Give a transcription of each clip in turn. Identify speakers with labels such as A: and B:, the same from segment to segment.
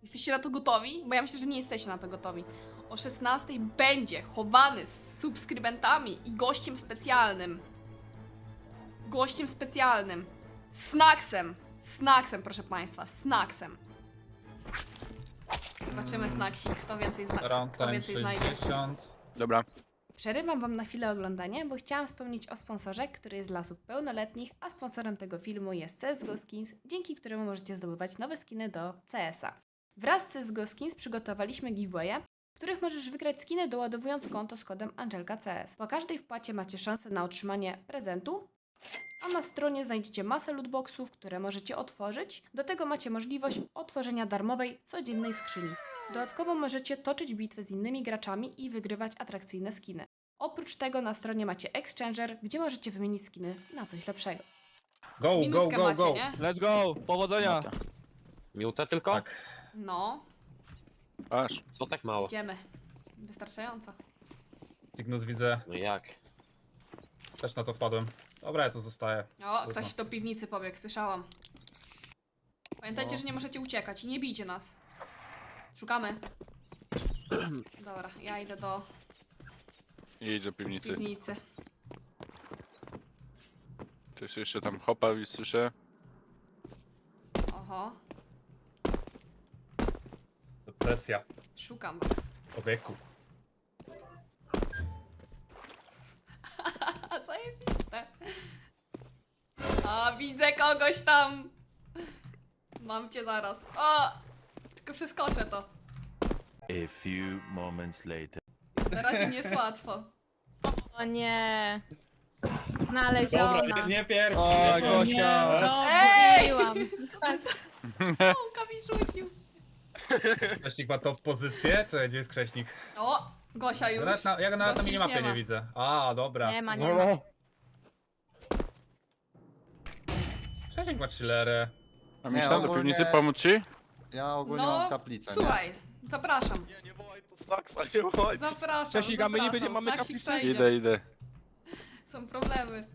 A: Jesteście na to gotowi? Bo ja myślę, że nie jesteście na to gotowi. O 16 będzie chowany z subskrybentami i gościem specjalnym. Gościem specjalnym. Snacksem. Snacksem, proszę państwa. Snacksem. Zobaczymy snacksik. Kto więcej, kto więcej znajdzie.
B: 60.
C: Dobra.
A: Przerywam wam na chwilę oglądanie, bo chciałam wspomnieć o sponsorze, który jest dla osób pełnoletnich, a sponsorem tego filmu jest CSGO Skins, dzięki któremu możecie zdobywać nowe skiny do CS-a. Wraz z CSGO Skins przygotowaliśmy giveawaye, w których możesz wygrać skiny doładowując konto z kodem ANGELKACS. Po każdej wpłacie macie szansę na otrzymanie prezentu, a na stronie znajdziecie masę lootboxów, które możecie otworzyć. Do tego macie możliwość otworzenia darmowej, codziennej skrzyni. Dodatkowo możecie toczyć bitwy z innymi graczami i wygrywać atrakcyjne skiny. Oprócz tego na stronie macie Exchanger, gdzie możecie wymienić skiny na coś lepszego.
B: Go,
A: Minutkę
B: go, go,
A: macie,
B: go.
A: nie?
D: Let's go! Powodzenia!
E: Minutę tylko?
B: Tak.
A: No,
C: Aż.
E: Co tak mało?
A: idziemy. Wystarczająco.
B: Ignus widzę.
E: No jak?
B: Też na to wpadłem. Dobra, ja tu zostaję.
A: O, ktoś do piwnicy pobiegł, słyszałam. Pamiętajcie,
B: No.
A: że nie możecie uciekać i nie bijcie nas. Szukamy. Dobra, ja idę do
C: Jedź do piwnicy.
A: piwnicy.
C: Też jeszcze tam hopa słyszę.
A: Oho,
B: Presja.
A: szukam was.
B: Człowieku.
A: Zajebiste. A, widzę kogoś tam. Mam cię zaraz. O! Tylko przeskoczę to.
F: A few moments later.
A: Na razie nie jest łatwo.
G: O nie. Znaleziona.
B: Dobra, nie pierwszy.
D: O,
B: nie
D: Gosia.
G: No,
A: Ej!
G: mówiłam.
A: Co ty? Smołka mi rzucił.
B: Krześnik ma top pozycję? Czekaj, gdzie jest Krześnik?
A: O! Gosia już.
B: Ja go nawet na
A: Gosi już
B: minimapie
A: ma.
B: nie widzę. A, dobra.
G: Nie ma, nie ma.
B: Krześnik ma chillerę.
C: A
H: Nie,
C: myślałem do
H: ogólnie-
C: piwnicy pomóc ci?
H: Ja ogólnie
A: No,
H: mam kaplicę.
A: słuchaj, zapraszam.
I: Nie wołaj to Snacksa, nie wołaj to
A: Zapraszam,
D: Cześć, Iga, my nie
A: zapraszam.
D: mamy
A: Snacksik
D: kaplicy?
A: przejdzie.
C: Idę.
A: Są problemy.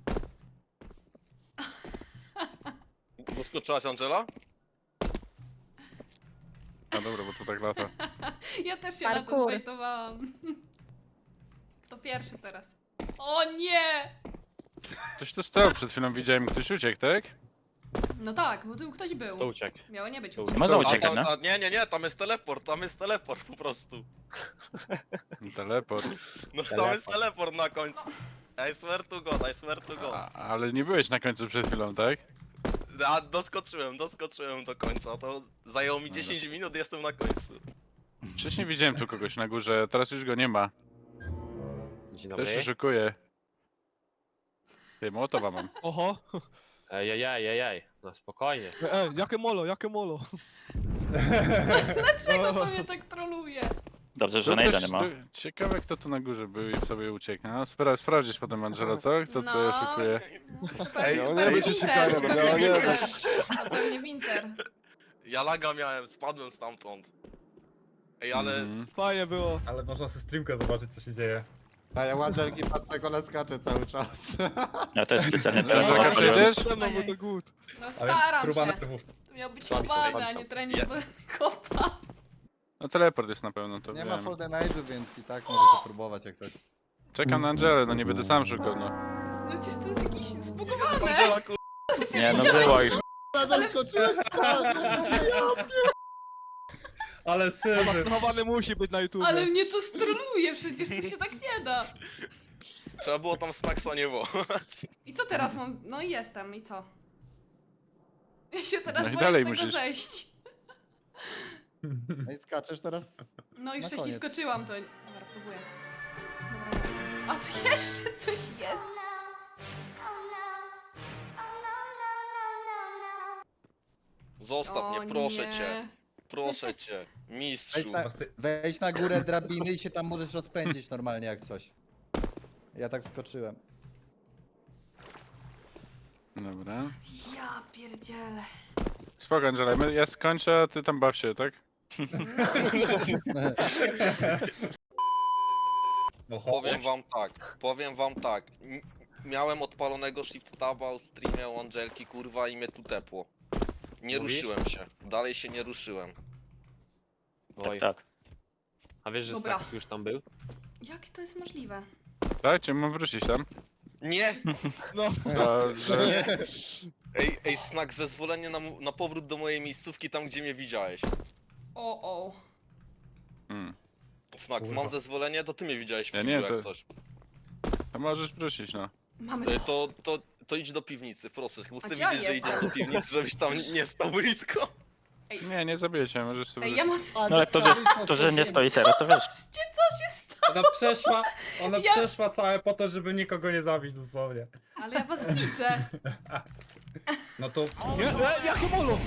I: Doskoczyłaś Angela?
C: No dobra, bo tu tak lata.
A: Ja też się na to
G: Parkour.
A: fajtowałam. Kto pierwszy teraz? O nie!
C: Ktoś to stał, przed chwilą widziałem, ktoś uciekł, tak?
A: No tak, bo tu ktoś był.
E: To uciekł.
A: Miało nie być
E: To
A: uciek.
D: Można
I: A,
D: uciekać,
I: tam, nie, tam jest teleport po prostu.
C: Teleport.
I: No tam jest teleport na końcu. I swear to God, I swear to God.
C: Ale nie byłeś na końcu przed chwilą, tak?
I: A doskoczyłem do końca, to zajęło mi 10 minut, jestem na końcu.
C: Wcześniej widziałem tu kogoś na górze, teraz już go nie ma.
E: Dzień
C: Też
E: dobry.
C: się szykuję. Ty, Mołotowa mam.
D: Oho.
E: Ej. No spokojnie.
D: Jakie molo, jakie molo.
A: Dlaczego to mnie tak troluje?
J: Dobrze,
C: To
J: że najda
C: też
J: nie ma.
C: Ciekawe, kto tu na górze był i sobie uciekł. No, sprawdzisz potem, Angela, co? Kto
A: No.
C: tutaj szykuje?
A: Pewnie Winter, pewnie Winter.
I: Ja laga miałem, spadłem stamtąd. Ej, ale
C: Mhm.
D: Fajnie było.
B: Ale można sobie streamkę zobaczyć, co się dzieje.
H: A ja łażelki patrzę, go skacze cały czas.
J: Ja też specjalnie
C: Angela,
J: teraz odpaliłem.
C: przejdziesz?
D: No bo to good.
A: No
B: Ale
A: staram
B: próba
A: się.
B: nerwów.
A: To miał być
E: Słabi są,
A: chowany,
E: słabi
A: a
E: są.
A: nie trening
I: Ja-
A: do kopa.
C: No teleport jest na pewno, to
H: Nie ma
C: wiem.
H: full damage'u, więc i tak możecie próbować jak coś.
C: Czekam na Angelę, no nie będę sam szukał, no.
A: No przecież to jest jakiś zbugowane.
I: Angela kur...
J: Nie, no było już.
B: Ale syzy.
D: Chowany musi być na YouTube.
A: Ale mnie to stroluje, przecież to się tak nie da.
I: Trzeba było tam Snacksa nie wołać.
A: I co teraz mam? No i jestem, i co? Ja się teraz
C: No i
A: boję
C: dalej
A: z tego
C: musisz.
A: zejść.
H: No i skaczesz teraz.
A: No już
H: Na
A: wcześniej
H: koniec.
A: skoczyłam, to... Dobra, próbuję. Dobra, jestem. A tu jeszcze coś jest.
I: Zostaw
A: O
I: mnie, proszę
A: nie.
I: cię. Proszę cię. Mistrzu.
H: Wejdź na górę drabiny i się tam możesz rozpędzić normalnie jak coś. Ja tak skoczyłem.
C: Dobra.
A: Ja pierdzielę.
C: Spoko, Angela, ja skończę, a ty tam baw się, tak?
B: No,
I: Powiem wam tak. Miałem odpalonego shift taba o streamie u Angelki, kurwa, i mnie tu tepło. Nie
E: Mówisz?
I: ruszyłem się. Dalej się nie ruszyłem.
E: Oj.
J: Tak.
E: A wiesz, że
A: Dobra.
E: Snax już tam był?
A: Jak to jest możliwe?
C: Tak, czy mam wrócić tam?
I: Nie!
D: No.
C: Dobrze.
I: Nie! Ej, Snack, zezwolenie na powrót do mojej miejscówki tam, gdzie mnie widziałeś.
A: O.
C: Hmm.
I: Snack,
B: Kurwa.
I: mam zezwolenie, to ty mnie widziałeś w
C: Ja
I: kiblu,
C: nie,
I: jak
C: to-
I: coś.
C: To możesz wrócić, no.
A: Mamy
I: To idź do piwnicy, proszę. Bo chcę
A: gdzie on
I: widzieć, że
A: jest?
I: idziesz do piwnicy, żebyś tam nie stał blisko.
C: Nie, nie zabijecie, możesz sobie
A: Ej, ja
C: wrócić.
A: mam...
J: No ale to, że nie stoi teraz, to wiesz.
A: Patrzcie, co się stało!
B: Ona
A: Ja-
B: przeszła całe po to, żeby nikogo nie zabić dosłownie.
A: Ale ja was widzę.
B: No to...
D: Jakie molo?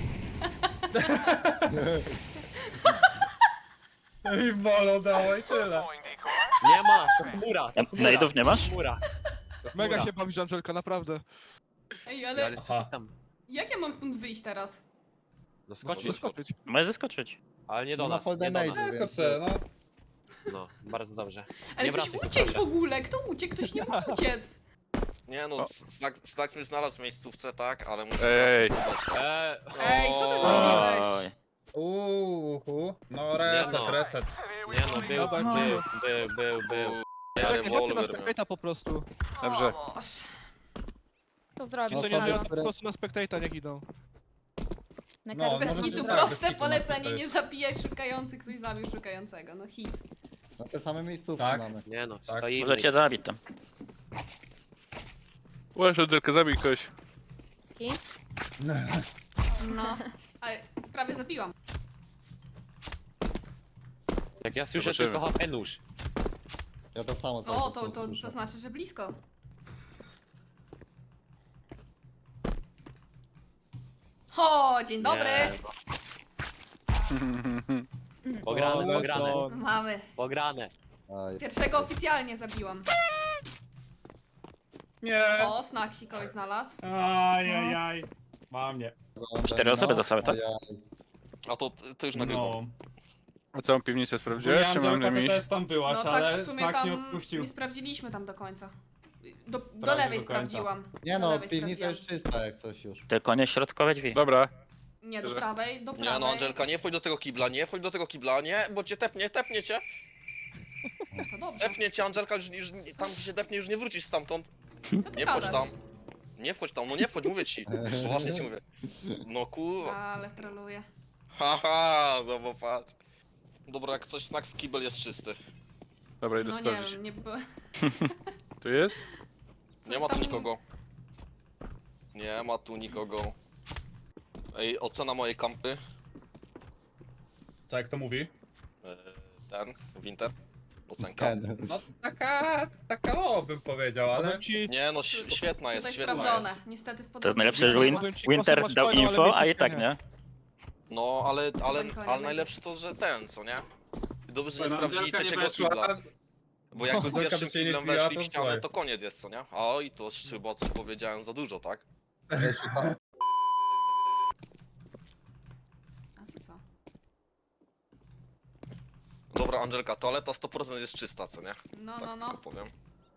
B: I bolo dało i tyle.
E: Nie ma! To chmura! To chmura!
J: Najdów nie masz?
E: Chmura! To
D: Mega
E: chmura.
D: się bawisz, Angelka, naprawdę.
A: Ej,
E: Ale
A: ale
E: co ty
B: Aha.
E: tam?
A: jak ja mam stąd wyjść teraz?
E: No
D: Właśnie
E: skocz,
D: skoczyć.
J: Możesz zaskoczyć.
E: ale nie do
H: No na
E: nas,
H: full
E: nie do
H: damage.
E: nas.
B: Tylko se, no.
E: No, bardzo dobrze.
A: Ale
E: Nie
A: ktoś
E: wracaj tu,
A: uciekł w
E: proszę.
A: ogóle! Kto uciekł? Ktoś nie mógł uciec!
I: Nie no,
C: O.
I: Snack mnie znalazł w miejscówce, tak? Ale muszę
C: Ej.
I: teraz się dostać.
A: Ej, co ty
I: O.
A: zrobiłeś?
J: Oj.
B: No reset,
E: no.
B: reset.
E: Nie no, był.
I: Ja
D: Czekaj, chodźmy na
I: rewolwer miał.
D: spectator po prostu.
C: Dobrze.
A: O, Boże.
G: To
D: Ci
G: zrobić.
D: co
H: No,
D: nie
H: sobie-
D: żyją, po prostu na spectator niech idą.
G: Na
B: No,
G: kartę.
A: Bez
B: może
A: kitu
B: tak,
A: proste
B: bez kitu
A: polecenie,
B: to
A: nie
B: jest.
A: zabijaj szukający, ktoś zabił szukającego. No hit.
H: No te same miejscówki
B: Tak.
H: mamy.
E: Nie no,
B: Tak.
E: stoimy.
J: Możecie zabić tam.
C: Łaś, Angelka, zabij kogoś.
A: No. Ale prawie zabiłam.
E: Jak ja słyszę
C: Zobaczymy.
E: tylko HP nóż.
H: Ja to samo cały
A: O,
H: czas
A: to
H: słyszę.
A: znaczy, że blisko. O, dzień dobry!
E: Pograne, pograne,
A: Mamy.
E: pograne.
H: Aj,
A: Pierwszego oficjalnie zabiłam.
B: Nie.
A: O, Snaksi kogoś znalazł.
B: Ajajaj. Mam nie.
H: wygląda,
J: 4 osoby zostały, tak?
H: ajaj.
I: A to już nagrywam.
B: No.
C: A całą piwnicę sprawdziłeś, czy mam
B: Angelka,
C: nie
B: ty
C: iść?
B: też tam byłaś,
A: No tak,
B: ale
A: w sumie
B: Snack nie
A: tam
B: odpuścił.
A: nie sprawdziliśmy tam do końca. Do
B: Prawie
A: lewej
B: do końca.
A: sprawdziłam.
H: Nie
A: Do
H: no,
A: lewej
H: piwnica
A: sprawdziłam.
H: jest czysta jak coś już.
J: Tylko nie środkowe drzwi.
C: Dobra.
A: Nie, do
C: Że-
A: prawej, do prawej.
I: Nie no, Angelka, nie wchodź do tego kibla, nie wchodź do tego kibla, nie, bo cię tepnie cię.
A: No to dobrze.
I: Tepnie cię, Angelka, tam gdzie się tepnie, już nie wrócisz stamtąd.
A: Co ty
I: Nie wchodź
A: gadasz?
I: tam. Nie wchodź tam, no nie wchodź, mówię ci. Poważnie ci mówię. No kurwa.
A: Ale troluję.
I: Haha, no bo patrz. Dobra, jak coś, Snack z kibel jest czysty.
C: Dobra, idę
A: No nie
C: sprawdzić.
A: wiem, nie było.
C: Tu jest?
I: Nie ma tu nikogo. Nie ma tu nikogo. Ej, ocena mojej kampy.
B: Co jak to mówi?
I: Ten, Winter. Ocenka.
H: Ten.
B: No taka o bym powiedział, ale...
D: Powiem ci,
I: Nie no, świetna jest,
A: Tutaj
I: świetna
A: sprawdzone.
I: jest.
A: Niestety w
J: To jest
A: podróży
J: najlepsze, że
A: nie ma.
D: Powiem ci,
J: Winter
D: kosę masz
J: dał
D: fajną, ale
J: info, a i
D: miejscówkę
J: tak
D: nie.
J: nie.
I: No, ale
A: Nikogo nie
I: najlepsze to, że ten, co nie? Dobrze, że nie
B: No,
I: sprawdzili
B: Angelka nie
I: trzeciego
B: weszła,
I: kibla. Bo jakby
B: Angelka
I: pierwszym
B: by się nie
I: kiblem
B: wbiła,
I: weszli
B: to
I: w ścianę,
B: słuchaj.
I: to koniec jest, co nie? Oj, to chyba coś powiedziałem za dużo, tak?
A: A to co?
I: Dobra, Angelka, toaleta 100% jest czysta, co nie?
A: No,
I: Tak
A: no, no.
I: tylko powiem.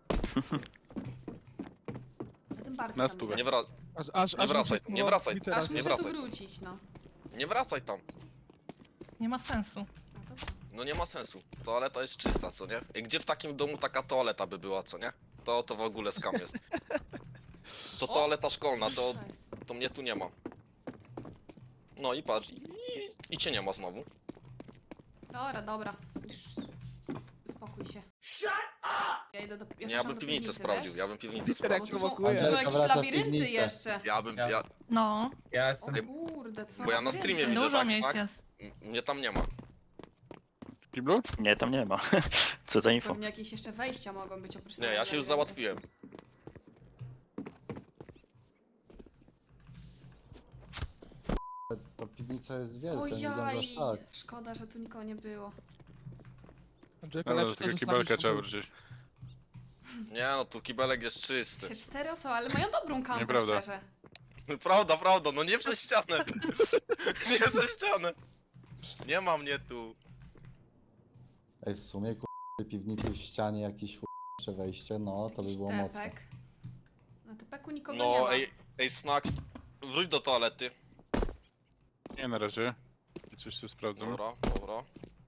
A: A tym bardziej
C: Na
A: tam
C: stówę.
I: Nie,
A: idę.
I: Nie wracaj,
D: muszę-
I: nie wracaj.
D: Wintera
A: Aż
I: nie
A: muszę tu
I: wracaj.
A: wrócić, no.
I: nie wracaj tam.
G: Nie ma sensu.
A: A to co?
I: No nie ma sensu. Toaleta jest czysta, co nie? I gdzie w takim domu taka toaleta by była, co nie? To w ogóle skam jest. To
A: O!
I: toaleta szkolna,
A: Co jest?
I: to mnie tu nie ma. No i patrz, i cię nie ma znowu.
A: Dobra, dobra. Już uspokój się. Ja idę do...
I: Nie, ja bym piwnicę sprawdził, ja bym piwnicę
D: Winter jak
I: sprawdził.
A: Tu są,
D: prowokuje.
A: tu są
H: Angelka
A: jakieś
H: wraca w
A: labirynty
H: piwnicę.
A: jeszcze.
I: Ja bym,
B: Ja-
I: ja,
G: No,
B: Ja jestem...
A: O kurde, to są
I: bo ja na
A: labirynty.
I: streamie widzę,
G: dużo
I: tak,
G: miejsc
I: Snax?
G: jest.
I: Mnie tam nie ma.
C: W kiblu?
J: Nie, tam nie ma. Co za info.
A: Pewnie jakieś jeszcze wejścia mogą być oprócz
I: Nie, ja się już
A: labiryntu.
I: załatwiłem.
H: To piwnica jest wielka, nie wygląda
A: Ojaj,
H: tak.
A: szkoda, że tu nikogo nie było.
D: Angelka,
C: Dobra, do
D: lepsze to,
C: tego
D: że z
C: kibelka
D: nami
C: trzeba
D: są.
C: wrócić.
I: Nie no, tu kibelek jest czysty.
A: Się 4 osoby, ale mają dobrą kampę,
C: Nieprawda.
A: szczerze.
I: Prawda, no nie przez ścianę. Nie przez ścianę. Nie ma mnie tu.
H: Ej, w sumie piwnicy w ścianie jakieś jeszcze wejście, no to by
A: Jakiś
H: było mocne.
A: tepek. Na tepeku nikogo nie
I: No,
A: ma.
I: ej, Snax, wróć do toalety.
C: Nie, na razie. Coś tu sprawdzam.
I: Dobra, dobra.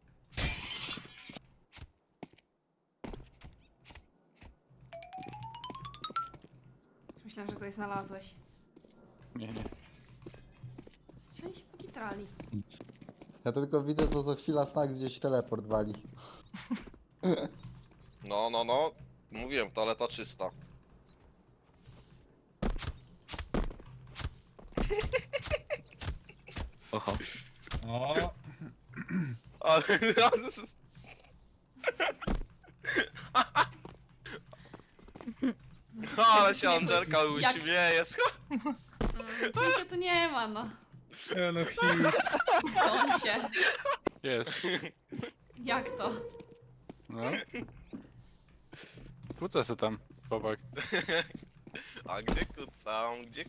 A: Myślałem, że kogoś znalazłeś.
C: Nie.
A: Gdzie oni się pokitrali?
H: Ja tylko widzę, co za chwila Snack gdzieś teleport wali.
I: No. Mówiłem, toaleta czysta.
J: Oho.
B: O,
I: Ale... Ale się Angelka
A: Jak-
I: uśmiejesz.
A: Gdzie się tu nie ma, no.
B: no hit.
A: Goń się.
C: Jest.
A: Jak to?
C: No. Kłócę se tam, chłopak.
I: A gdzie kucam? Gdzie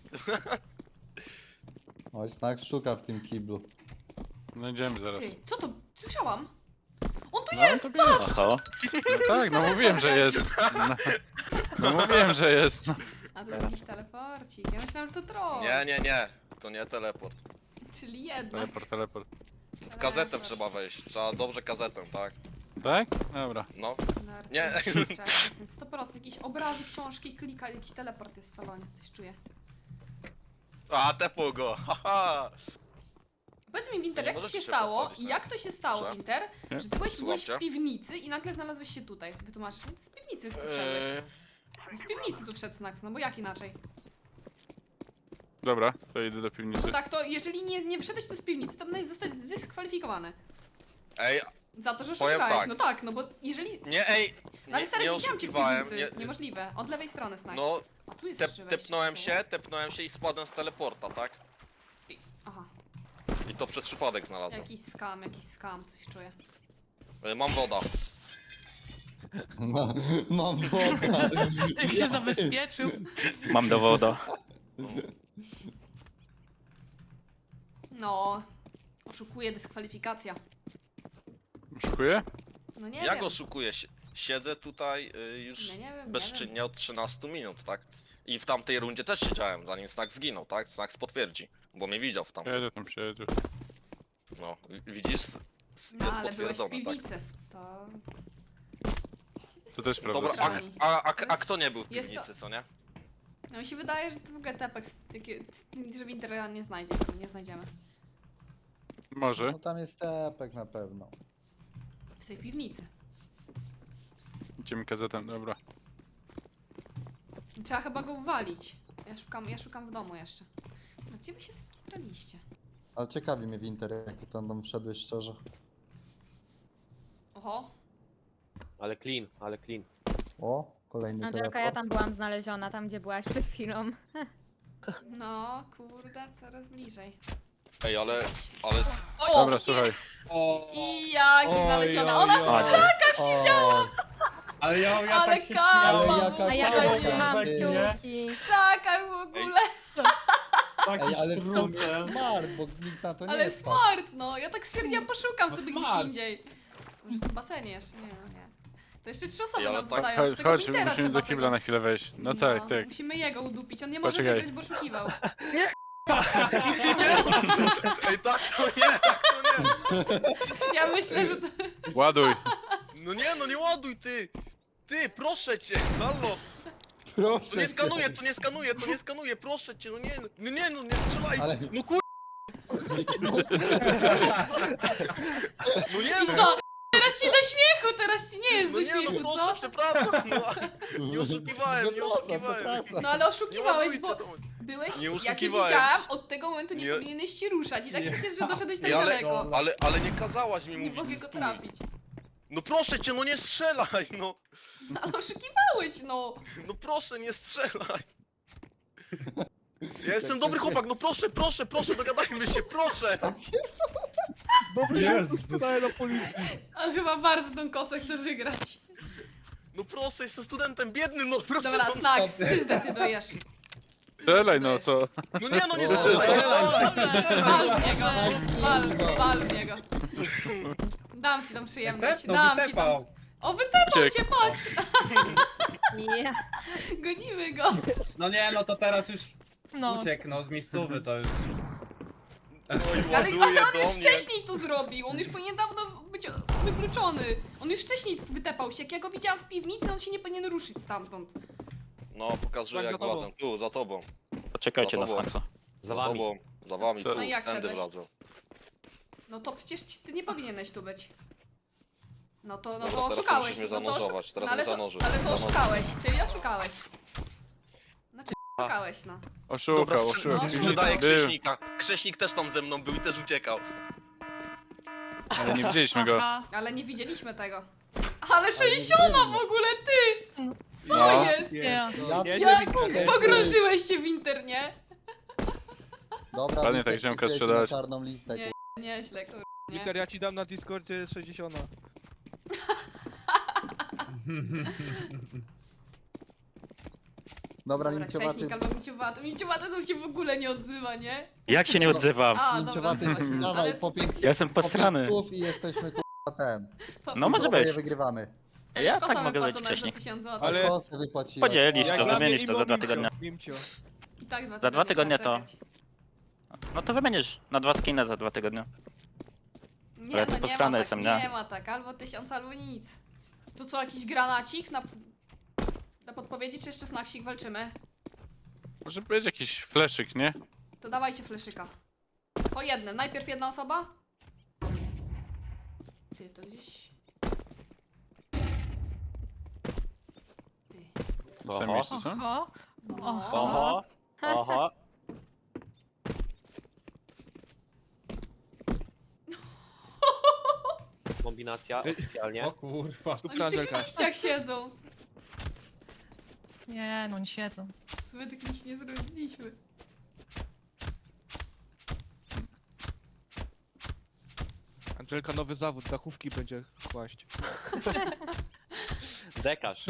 H: Oj, Snack szuka w tym kiblu.
C: Znajdziemy zaraz.
A: Ty, co to? Słyszałam. On tu
C: No,
A: jest!
C: to bierz.
J: Oho.
C: No tak, no mówiłem, że jest. No mówiłem, że jest. No.
A: A to jakiś teleporcik. Ja myślałam, że to troll.
I: Nie. To nie teleport.
A: Czyli jednak.
C: Teleport.
I: W kazetę trzeba wejść. Trzeba dobrze kazetę, tak?
C: Tak? Dobra.
I: No.
A: Narty,
I: Nie.
A: 100% jakieś obrazy, książki, klika, jakiś teleport jest w salonie. Coś czuję.
I: A, tepł go. Haha.
A: Powiedz mi, Winter,
I: Nie
A: jak to
I: możesz
A: się
I: się
A: stało?
I: podsadzić,
A: Jak to się stało,
I: Że?
A: Winter?
C: Nie?
A: Że ty byłeś
I: Słucham
A: w
I: cię.
A: piwnicy i nagle znalazłeś się tutaj. Wytłumaczysz mi? To z piwnicy tu wszedłeś. No z piwnicy tu wszedł Snax, no bo jak inaczej?
C: Dobra, to idę do piwnicy.
A: No tak, to jeżeli nie wszedłeś tu z piwnicy, to będziesz zostać dyskwalifikowany.
I: Ej,
A: Za to, że
I: Powiem
A: oszukałeś.
I: tak.
A: No tak, no bo jeżeli...
I: nie, ej.
A: No ale stary,
I: nie
A: widziałam cię w
I: oszukiwałem.
A: piwnicy. Niemożliwe. Od lewej strony, Snax.
I: No,
A: A tu jest jeszcze wejście,
I: tepnąłem się i spadłem z teleporta, tak?
A: Aha,
I: I to przez przypadek znalazłem.
A: jakiś scam, coś czuję.
I: Mam woda.
H: Mam wodę.
G: Jak się zabezpieczył.
J: Mam dowoda.
A: No, oszukuje, dyskwalifikacja.
C: Oszukuję?
A: No nie
I: Jak
A: wiem.
I: oszukuję? Siedzę tutaj już
A: No nie wiem, nie wiem.
I: bezczynnie od 13 minut, tak? I w tamtej rundzie też siedziałem, zanim Snack zginął, tak? Snack potwierdzi, bo mnie widział w tamtym.
C: Jedzie tam, przyjedzie.
I: No, widzisz?
A: No
I: Jest
A: ale byłeś w
I: potwierdzone, tak?
A: piwnicy. To...
C: To też prawda.
I: Dobra,
A: Centralni.
I: a kto nie był w
A: Jest to-
I: piwnicy, co nie?
A: No mi się wydaje, że to w ogóle tepek, że Winter nie znajdzie, nie znajdziemy.
C: Może.
H: No tam jest tepek na pewno.
A: W tej piwnicy.
C: Idziemy kazetem, dobra.
A: Trzeba chyba go uwalić. Ja szukam w domu jeszcze. Gdzie wy się skitraliście?
H: Ale ciekawi mnie Winter, jak ty tam wszedłeś szczerze.
A: Oho.
E: Ale clean, ale clean.
H: O, kolejny
G: Angelka, ja
H: teleport.
G: tam byłam znaleziona, tam gdzie byłaś przed chwilą.
A: No, kurde, coraz bliżej.
I: Ej, ale
A: O!
C: Dobra, słuchaj.
B: O,
A: I jak
B: Oj,
A: znaleziona.
B: oj,
A: Ona
B: oj.
A: w
J: Ładnie.
A: krzakach siedziała!
B: ale ja
A: Ale
B: tak się
A: kawał.
B: śmiałem.
H: Ale jaka
G: A ja
H: Fajnie.
G: trzymam
B: Nie?
G: kciuki.
A: W krzakach w ogóle!
B: Taki
H: Ej, ale
B: sztrucem.
H: smart, bo nikt na to nie
A: Ale
H: wpadł.
A: smart, no. Ja tak stwierdziłam, poszukam
B: No
A: sobie
B: smart.
A: gdzieś indziej. Może w tym basenie jeszcze? Nie, no nie. To jeszcze 3 osoby
I: Ej, ale
A: nam
I: tak-
A: zostają.
C: Chodź,
A: Tego
C: chodź,
A: Wintera
C: musimy
A: trzeba
C: do kibla
A: tego-
C: na chwilę wejść. No tak, tak.
A: Musimy jego udupić, on nie może
C: Poczekaj.
A: wygrać, bo oszukiwał.
I: Ej, tak to nie, tak to nie.
A: Ja myślę, że to...
C: Ładuj.
I: No nie, no nie ładuj ty. Ty, proszę cię, halo.
H: Proszę
I: To nie
H: cię.
I: skanuję, to nie skanuję, to nie skanuję, proszę cię, no nie, no nie, no nie strzelajcie.
H: Ale-
I: No kur... No nie,
A: I
I: no,
A: co? Teraz ci do śmiechu, teraz ci nie jest
I: no
A: do
I: nie, no
A: śmiechu,
I: proszę,
A: co?
I: przepraszam, no. Nie oszukiwałem, nie
H: Przepraszam,
I: oszukiwałem.
H: przepraszam.
A: No ale
I: Nie
A: oszukiwałeś,
I: ładujcie
A: bo
I: do mnie.
A: byłeś,
I: Nie
A: ja cię
I: oszukiwałem.
A: widziałam, od tego momentu nie
I: Nie.
A: powinieneś się ruszać i tak się cieszę, że doszedłeś tak
I: Ej, ale,
A: daleko.
I: ale nie kazałaś mi
A: Nie
I: mówić
A: mogę go
I: stój.
A: trafić.
I: No proszę cię, no nie strzelaj, no.
A: No ale oszukiwałeś, no.
I: No proszę, nie strzelaj. Ja jestem dobry chłopak, no proszę, proszę, proszę, dogadajmy się, proszę.
B: Jezus.
A: On chyba bardzo tą kosę chce wygrać.
I: No proszę, jestem studentem biednym, no proszę.
A: Dobra,
I: no,
A: Snax, ty zdecydujesz.
C: Strzelaj, no co?
I: no nie, no nie strzelaj, nie strzelaj.
A: Wal w niego, wal w niego. Dam ci tą przyjemność,
B: Wytepnął,
A: dam ci tą...
B: wytepał.
A: O, wytepał
C: Uciekł.
A: cię, patrz!
G: Nie.
A: Gonimy go.
B: No nie, no to teraz już
G: No.
B: uciekł, no z miejscowy to już.
I: Oj,
A: Ale
I: ładuje
A: on
I: do
A: już
I: mnie.
A: wcześniej to zrobił, on już powinien dawno być wykluczony. On już wcześniej wytepał się, jak ja go widziałam w piwnicy, on się nie powinien ruszyć stamtąd.
I: No, pokazuję
D: Tak,
I: jak
D: za tobą.
I: wlazłem. Tu, za tobą.
J: Poczekajcie
I: No
J: na
I: to było.
J: Snaxa.
E: Za wami.
I: tobą. Za wami,
C: Co?
I: tu.
A: No i jak
I: Tędy
A: szedłeś?
I: wlazłem.
A: No to przecież ty nie powinieneś tu być. No to
I: Dobra,
A: to
I: teraz
A: oszukałeś.
I: musisz mnie
A: no to
I: zanurzować, teraz
A: no, ale
I: mnie
A: to,
I: zanurzył.
A: ale to
I: Zanurzył.
A: oszukałeś, czyli oszukałeś. Znaczy oszukałeś, no.
C: Oszukał,
A: No,
C: oszukał.
I: sprzedaję
C: Był,
I: Krześnika. Krześnik też tam ze mną był i też uciekał.
C: ale nie widzieliśmy go.
A: Ale nie widzieliśmy tego. Ale 60 w ogóle, ty! Co
C: No.
A: jest?
H: Ja
A: Jak pogrążyłeś się w internie?
H: Dobra,
C: Ładnie tak
H: Wiktor,
C: ziomka
H: wpisujecie
C: sprzedałeś.
H: na czarną listę,
A: Nie. Nieźle, kurwa. Nie.
D: Wiktor, ja ci dam na Discordzie 60.
H: Dobra,
A: Dobra,
H: minciowaty,
A: Krześnik albo Minciowaty. Minciowaty to się w ogóle nie odzywa, nie?
J: Jak się nie odzywam?
A: A, dobra,
H: minciowaty,
A: odzywa się.
H: dawaj,
A: Ale
H: po 5
J: Ja jestem posrany.
H: i jesteśmy kurwa ten.
J: No może
H: Oboje
J: być.
H: wygrywamy.
J: Ja tak mogę być
A: za
J: wcześniej.
A: 1000 zł.
D: Ale-
H: Kosę wypłaciłem.
J: Podzielisz
D: Jak
J: to,
D: dla mnie
J: wymienisz to
D: imo
J: za 2
D: Mimcio,
J: tygodnie.
D: Mimcio.
A: I tak
J: Za 2 tygodnie
A: trzeba
J: to-
A: czekać.
J: No to wymienisz na 2 skiny za 2 tygodnie.
A: Nie,
J: Ja tu
A: no nie
J: posrany
A: ma tak,
J: jestem,
A: nie
J: nie?
A: ma tak, albo 1000, albo nic. To co, jakiś granacik na podpowiedzi, czy jeszcze snacksik walczymy?
C: Może być jakiś fleszyk, nie?
A: To dawajcie fleszyka. Po jednym, najpierw jedna osoba. Ty, to gdzieś... Ty.
C: W samym
E: Oho.
C: miejscu, co?
A: No.
E: Oho. Oho. Kombinacja oficjalnie.
B: O kurwa.
A: Oni w tych liściach siedzą.
G: Nie, no nie siedzą.
A: W sumie tych liść nie zrobiliśmy.
D: Angelka nowy zawód, dachówki będzie kłaść.
E: Dekarz.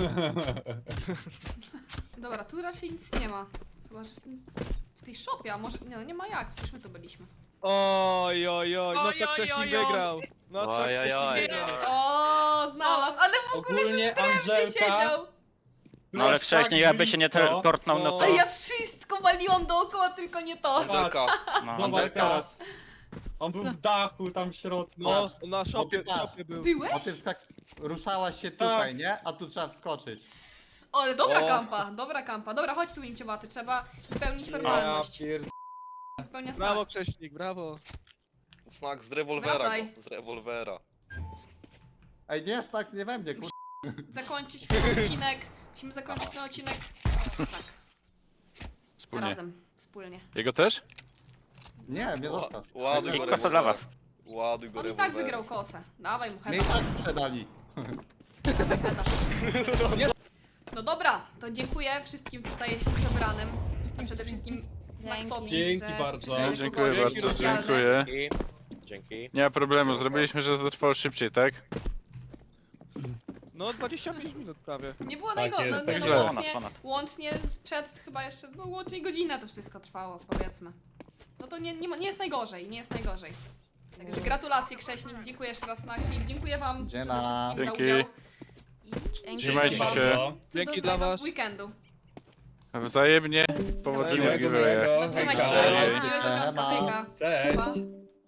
A: Dobra, tu raczej nic nie ma. Chyba, że w tej shopie, a może... Nie, no nie ma jak, przecież my tu byliśmy.
D: Oj, oj, oj, no
G: Oj,
D: to
G: oj,
D: Krześnik
G: oj, oj.
D: wygrał. No to
E: Oj, oj,
D: Krześnik
E: oj.
D: wygrał.
A: O, znalazł, ale w ogóle,
B: Ogólnie
A: że w drewnie
B: Angelka...
A: siedział.
J: No ale
B: tak
J: wcześniej jakby się nie
B: blisko.
J: portnął, no
D: No.
J: to...
A: A ja wszystko waliłam dookoła, tylko nie to.
I: Angelka,
J: No.
B: Zobacz teraz. On był w dachu, tam w środku.
D: No, na
H: ty patrz.
D: szopie był.
H: O
A: Byłeś?
H: tym tak ruszałaś się tutaj, nie? A tu trzeba wskoczyć.
A: Ale dobra
E: O.
A: kampa, dobra kampa. Dobra, chodź tu Imciowaty, trzeba wypełnić
B: Ja
A: formalność.
B: pier...
D: Brawo
A: Snacks.
D: Krześnik, brawo.
I: znak z rewolwera
A: Wracaj.
I: go. Z rewolwera.
H: Ej, nie, tak nie we mnie, kurwa.
A: Zakończyć ten odcinek. Musimy zakończyć ten odcinek. Tak,
C: Wspólnie.
A: razem, wspólnie.
C: Jego też?
H: Nie, mnie zostaw.
I: Ładuj
J: I
I: go
J: kosa dla was.
I: Ładuj go
A: On i tak
I: rewolwerem.
A: wygrał kosę. Dawaj mu
H: Mnie i
A: heda.
H: tak sprzedali.
A: No dobra, to dziękuję wszystkim tutaj zebranym. A przede wszystkim Snacksowi,
B: Dzięki
A: że
B: bardzo.
A: przyszedł
C: Dziękuję
A: pogodzić
C: bardzo,
A: specjalne.
C: dziękuję.
E: Dzięki. Dzięki.
C: Nie ma problemu, zrobiliśmy, że to trwało szybciej, tak?
D: No 25 minut prawie.
A: Nie było
B: Tak
A: najgorzej,
B: jest,
A: no,
B: tak
A: no,
B: źle.
A: łącznie, łącznie sprzed chyba jeszcze, no łącznie godzinę to wszystko trwało, powiedzmy. No to nie jest najgorzej, nie jest najgorzej. Także gratulacje Krześnik, dziękuję jeszcze raz Snacksik, dziękuję wam przede
H: Dziena.
A: wszystkim za
C: Dzięki.
A: udział. I
C: Trzymajcie
A: życzę wam
C: się.
B: Bardzo.
D: Dzięki dla
A: cudownego
D: was.
A: weekendu.
C: Wzajemnie. Powodzenia
B: Miłego,
C: giveaway.
B: miłego.
A: Trzymajcie się,
B: Hej.
A: miłego dzionka,
H: Ema.
A: hejka.
B: Cześć.
A: Pa.